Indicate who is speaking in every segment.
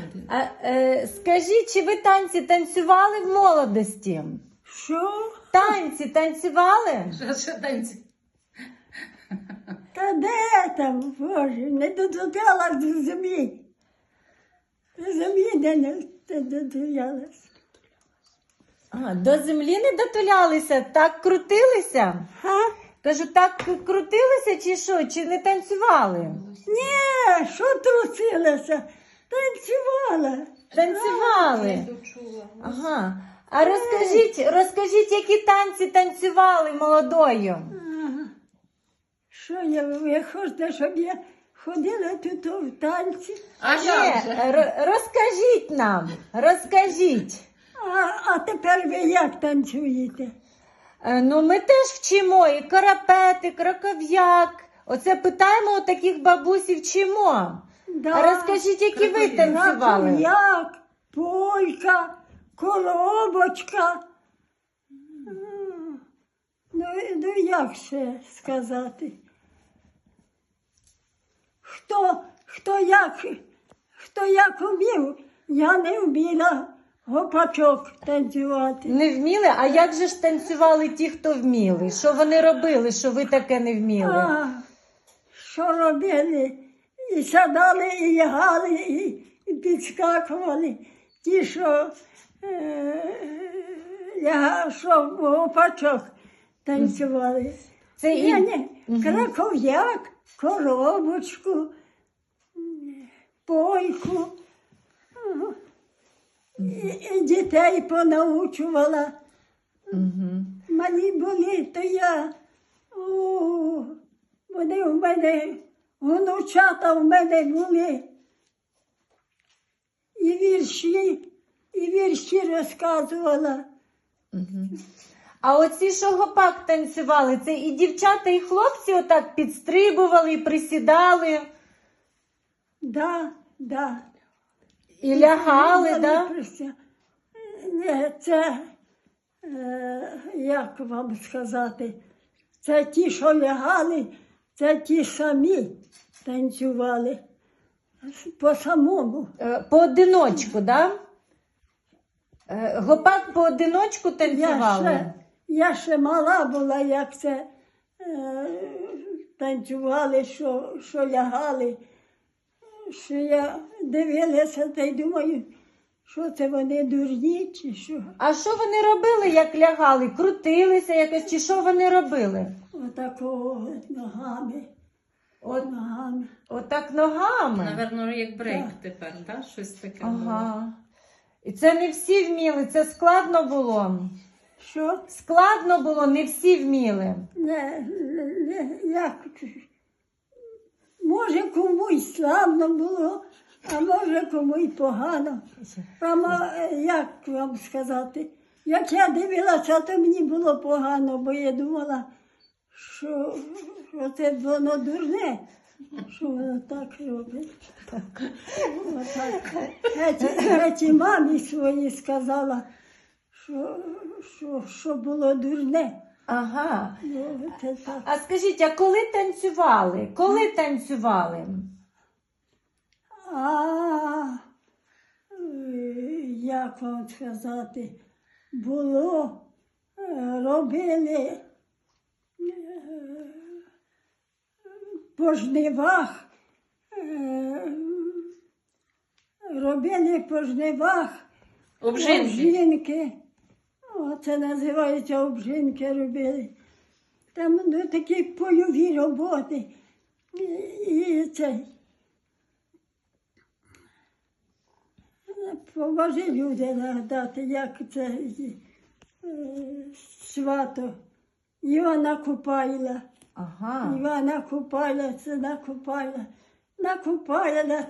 Speaker 1: Скажіть, чи ви танці танцювали в молодості?
Speaker 2: Що?
Speaker 1: Танці танцювали?
Speaker 3: Що танці?
Speaker 2: Та де там, Боже, не доторкалась до землі. До землі не доторкалась.
Speaker 1: До землі не дотулялися, так крутилися?
Speaker 2: Га?
Speaker 1: Кажу, так крутилися чи що? Чи не танцювали?
Speaker 2: Ні, що трусилася? Танцювала.
Speaker 1: Танцювали.
Speaker 3: Почула.
Speaker 1: Ага. А розкажіть, які танці танцювали молодою?
Speaker 2: Ага. Що ви хочете, щоб я ходила тут в танці?
Speaker 3: А
Speaker 1: Ні,
Speaker 3: як же?
Speaker 1: розкажіть нам, розкажіть.
Speaker 2: А тепер ви як танцюєте?
Speaker 1: Ну, ми теж вчимо і карапет, і краков'як. Оце питаємо у таких бабусів, вчимо.
Speaker 2: Да.
Speaker 1: А розкажіть, які ви танцювали?
Speaker 2: Як, полька, коробочка. Ну як ще сказати? Хто як вмів, я не вміла гопачок танцювати.
Speaker 1: Не вміли? А як же ж танцювали ті, хто вміли? Що вони робили, що ви таке не вміли?
Speaker 2: Що робили? І садали, і лягали, і підскакували. Ті, що гопачок танцювали.
Speaker 1: Це і...
Speaker 2: Краков'як, коробочку, пойку. І дітей понаучувала. Малі були, то я, вони в мене, внучата в мене були. І вірші розказувала.
Speaker 1: А оці, що гопак танцювали, це і дівчата, і хлопці отак підстрибували, і присідали,
Speaker 2: Да.
Speaker 1: і лягали, да?
Speaker 2: Ні, це, як вам сказати, це ті, що лягали, це ті самі танцювали. По-самому.
Speaker 1: Поодиночку, да? Гопак поодиночку танцювали?
Speaker 2: Я ще мала була, як це танцювали, що лягали. Що я дивилася та й думаю, що це вони дурні чи що.
Speaker 1: А що вони робили, як лягали? Крутилися якось, чи що вони робили?
Speaker 2: Отакого ногами. Ногами.
Speaker 1: Отак ногами?
Speaker 3: Наверно, як брейк тепер, так? Щось таке було.
Speaker 1: Ага. І це не всі вміли, це складно було.
Speaker 2: Що?
Speaker 1: Складно було, не всі вміли.
Speaker 2: Як? Може, комусь славно було, а може, комусь погано. Як вам сказати? Як я дивилася, то мені було погано, бо я думала, що це воно дурне, що воно так робить. Геть мамі своїй сказала, що було дурне.
Speaker 1: Ага.
Speaker 2: Ну, це так.
Speaker 1: А скажіть, а коли танцювали? Коли танцювали?
Speaker 2: Як вам сказати, було, робили по жнивах, обжинки. Це називається обжинки робили. Там такі польові роботи. І це. Поможи люди нагадати, як це свято. Івана Купайла.
Speaker 1: Ага.
Speaker 2: Івана Купайла, це накупайла. Накупайла,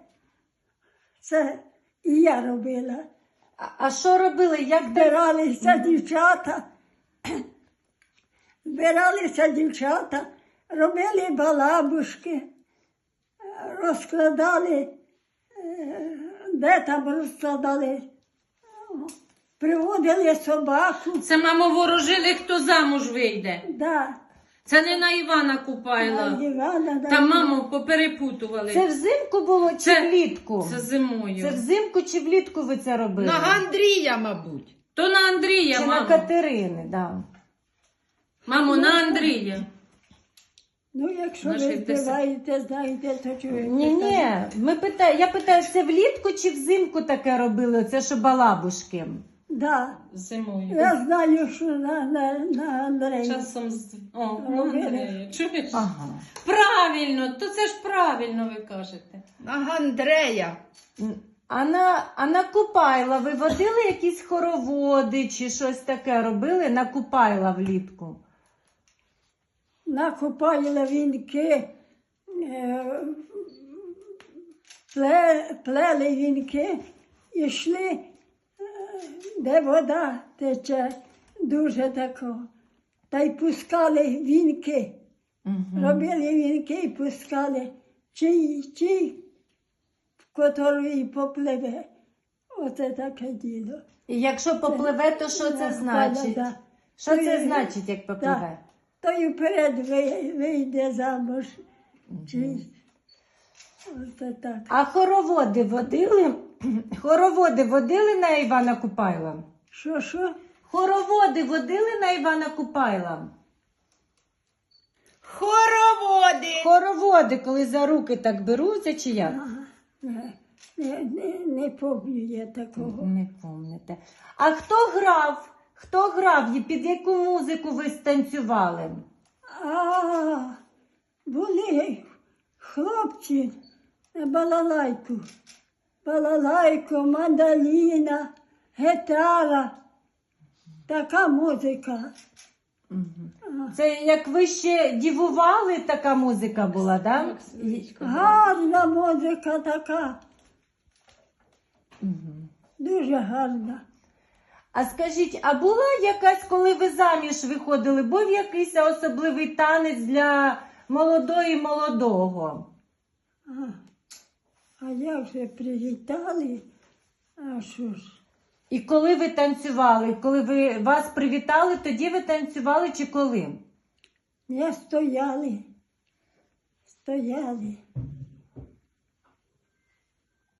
Speaker 2: це і я робила.
Speaker 1: А що робили? Як
Speaker 2: збиралися дівчата, робили балабушки, розкладали, де там розкладали, приводили собаку.
Speaker 3: Це, мамо, ворожили, хто замуж вийде.
Speaker 2: Да.
Speaker 3: Це не на Івана Купайла.
Speaker 2: Івана,
Speaker 3: Та маму поперепутували.
Speaker 1: Це взимку було чи
Speaker 3: Це-
Speaker 1: влітку?
Speaker 3: Це зимою.
Speaker 1: Це взимку чи влітку ви це робили?
Speaker 4: На Андрія, мабуть.
Speaker 3: То на Андрія,
Speaker 1: Чи на
Speaker 3: мамо.
Speaker 1: Катерини, да.
Speaker 3: Мамо, на Андрія.
Speaker 2: Ну, якщо
Speaker 3: На
Speaker 2: ви
Speaker 3: 60.
Speaker 2: співаєте, знаєте, то чого?
Speaker 1: Ні, я питаю, це влітку чи взимку таке робили? Це що балабушки?
Speaker 2: Да.
Speaker 3: Зимою.
Speaker 2: Я знаю, що на Андрея.
Speaker 3: Часом на Андрія. Чуєш?
Speaker 1: Ага.
Speaker 3: Правильно, то це ж правильно ви кажете.
Speaker 4: На Андрея.
Speaker 1: А на Купайла ви водили якісь хороводи чи щось таке робили на Купайла влітку?
Speaker 2: Накопали вінки, плели вінки, і йшли, де вода тече, дуже тако. Та й пускали вінки. Робили вінки і пускали. Чий, в котрий попливе. Оце таке діло.
Speaker 1: І якщо попливе, то що це значить?
Speaker 2: Да.
Speaker 1: Що це значить, як попливе?
Speaker 2: То й вперед вийде замуж. Чи... Оце так.
Speaker 1: А хороводи водили? Хороводи водили на Івана Купайла?
Speaker 2: Що?
Speaker 1: Хороводи водили на Івана Купайла?
Speaker 4: Хороводи.
Speaker 1: Хороводи, коли за руки так беруться, чи як?
Speaker 2: Не пам'ятаю я такого.
Speaker 1: Не пам'ятаєте. А хто грав? Хто грав? І під яку музику ви станцювали?
Speaker 2: А, були хлопці на балалайку. Балалайку, мандоліна, гітара. Така музика.
Speaker 1: Це як ви ще дівували, така музика була, так?
Speaker 2: Гарна музика така. Дуже гарна.
Speaker 1: А скажіть, а була якась, коли ви заміж виходили, був якийсь особливий танець для молодої молодого?
Speaker 2: А як же привітали? А що ж?
Speaker 1: І коли ви танцювали? Коли вас привітали, тоді ви танцювали чи коли?
Speaker 2: Не стояли. Стояли.